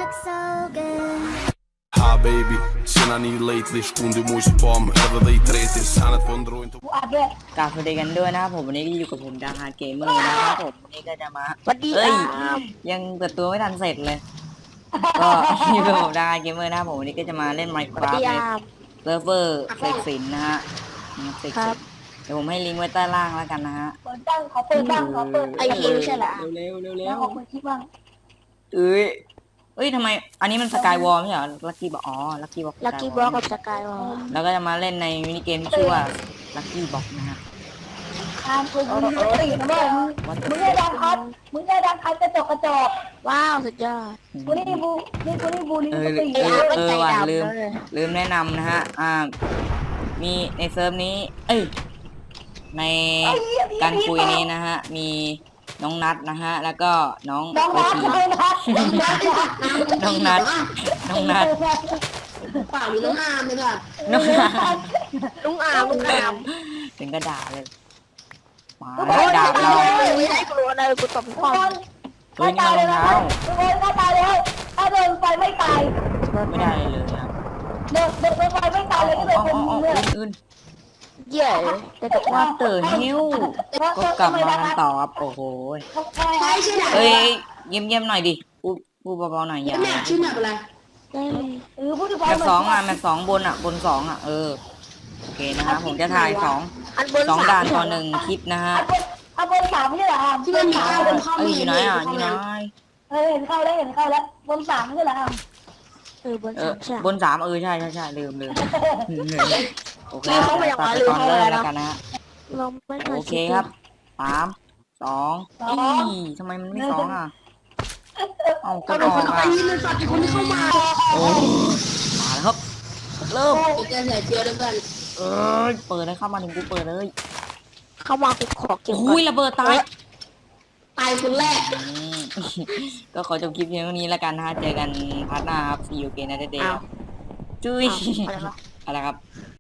Ha baby, sinani lately Skundi moj spam, över dig 30 Sannet på en drå inte กูอัดด้วยกราบสวัสดีกันด้วยนะครับผมวันนี้ก็อยู่กับผมดาฮาร์ดเกมเมอร์นะครับผมวันนี้ก็จะมาสวัสดีเอ้ยครับยังเปิดตัวไม่ทันเสร็จเลย ก็อยู่กับผมดาฮาร์ดเกมเมอร์นะครับผมวันนี้ก็จะมาเล่นสวัส Minecraft ดีในครับเซิร์ฟเวอร์เสกสินนะฮะเสกครัสิบนเดี๋ยวผมให้ลิงก์ไว้ใต้ล่างแล้วกันนะฮะเปิดบ้างขอเปิดบ้างขอเปิดไอพีไม่ใช่เหรอเร็วๆเร็วๆเร็แล้ววขอเปิดคลิปบ้างๆเอ้ยทำไมอันนี้มันสกายวอลไม่ใช่เหรอลักกี้บอกอ๋อลักกี้บอกลักกี้บล็อกกับสกายวอลแล้วก็จะมาเล่นในมินิเกมที่ชื่อว่าลักกี้บอกนะฮะตามคุณมึงตีนะแม่มึงได้ดังคัดมึงได้ดังคัดกระจกกระจกว้าวสุดยอดกูนี่บูนี่กูตีว่ะลืมแนะนำนะฮะมีในเซิร์ฟนี้ เอ้ยในการคุยนี้นะฮะมีน้องนัดนะฮะแล้วก็น้องน้องโอนัดทีน้องนัดน้องนัดเปล่ามีน้องอามเลยค่ะน้องนัดลุงอามลุงอามถึงกระดาเลยมาทุกคแล้วนดาบเราไม่ได้กลัวเลยกูตบทุกคนเฮ้ยนี่มันรองเท้าทุกคนถ้าตายแล้วถ้าโดนไฟไม่ตายไม่ได้เลยครับโดนไฟไม่ตายเลยก็เลยเป็นเลือดอื่นเย่แต่ตกๆว่าเต๋อฮิวก็กลับมากันต่อครับโอ้โหใช่ชื่อหนังเฮ้ยเยี่ยมๆหน่อยดิพูดเบาๆหน่อยอย่าแม่ชื่อหนังอะไรพูดถึงแบบสองอ่ะแบบสองบนอ่ะบนสองอ่ะโอเคนะฮะผมจะถ่ายสองด่านต่อหนึ่งคลิปนะฮะเอาบนสามไม่ใช่เหรอที่มันมีข้าวเป็นข้าวเอ้ยมีอยู่ไหนอ่ะอยู่ไหนเห็นเข้าแล้วบนสามไม่ใช่เหรอบนสามใช่บนสามใช่ลืมโอเคตัดไปตอนเริ่มแล้วกันนะฮะโอเคครับ3 2ทำไมมันไม่สองอ่ะเอากก็ดเป็อนคอน กไปอ่ะนี่มันสัตว์คนที่เข้ามาโอ้มาแล้วครับเริ่มเจะเหนื่อยเจียวด้วยกันเปิดเลยเข้ามาถึงกูเปิดเลยเข้ามากูขอเก็บอุ้ยระเบิดตายตายคนแรกก็ขอจบคลิปเพียงเท่านี้แล้วกันนะฮะเจอกันพาร์ทหน้าครับ See you again นะเด็กๆจุ้ยอะไรครับ